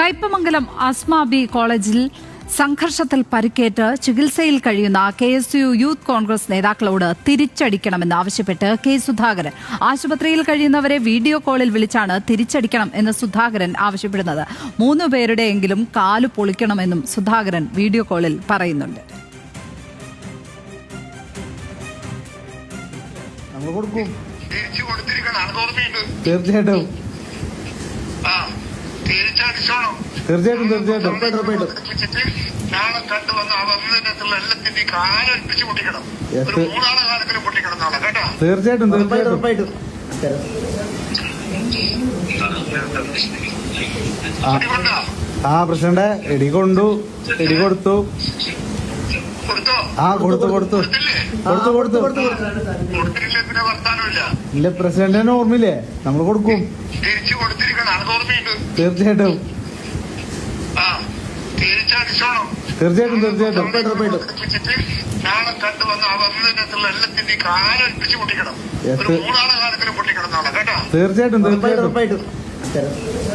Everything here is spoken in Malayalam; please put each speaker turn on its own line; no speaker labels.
കയ്പമംഗലം ആസ്മ ബി കോളേജിൽ സംഘർഷത്തിൽ പരിക്കേറ്റ് ചികിത്സയിൽ കഴിയുന്ന KSU യൂത്ത് കോൺഗ്രസ് നേതാക്കളോട് തിരിച്ചടിക്കണമെന്ന് ആവശ്യപ്പെട്ട് കെ സുധാകരൻ. ആശുപത്രിയിൽ കഴിയുന്നവരെ വീഡിയോ കോളിൽ വിളിച്ചാണ് തിരിച്ചടിക്കണം എന്ന് സുധാകരൻ ആവശ്യപ്പെടുന്നത്. 3 പേരുടെയെങ്കിലും കാല് പൊളിക്കണമെന്നും സുധാകരൻ വീഡിയോ കോളിൽ പറയുന്നുണ്ട്.
തീർച്ചയായിട്ടും
നാളെ കണ്ടുവന്ന ആ വന്നതിനകത്തുള്ള എല്ലാത്തിന്റെ കാലൊൽപ്പിച്ച് പൊട്ടിക്കണം. ഒരു 3 ആളെ കാലത്തിലും പൊട്ടിക്കണം നാളെ കേട്ടോ.
തീർച്ചയായിട്ടും പ്രസിഡന്റ് ഇടികൊണ്ടു ഇടികൊടുത്തു
കൊടുത്തില്ലേ പിന്നെ വർത്താനമില്ല.
ഇല്ല പ്രസിഡന്റിന് ഓർമ്മയില്ലേ, നമ്മൾ കൊടുക്കും.
തിരിച്ചു കൊടുത്തിരിക്കണം, അത് ഓർമ്മയുണ്ട്.
തീർച്ചയായിട്ടും
നാളെ കണ്ടുവന്ന ആ വന്നതിനകത്തുള്ള എല്ലാത്തിന്റെ കാലൊൽപ്പിച്ച് പൊട്ടിക്കണം. ഒരു 3 ആളെ കാലത്തിലും പൊട്ടിക്കണം നാളെ കേട്ടോ.
തീർച്ചയായിട്ടും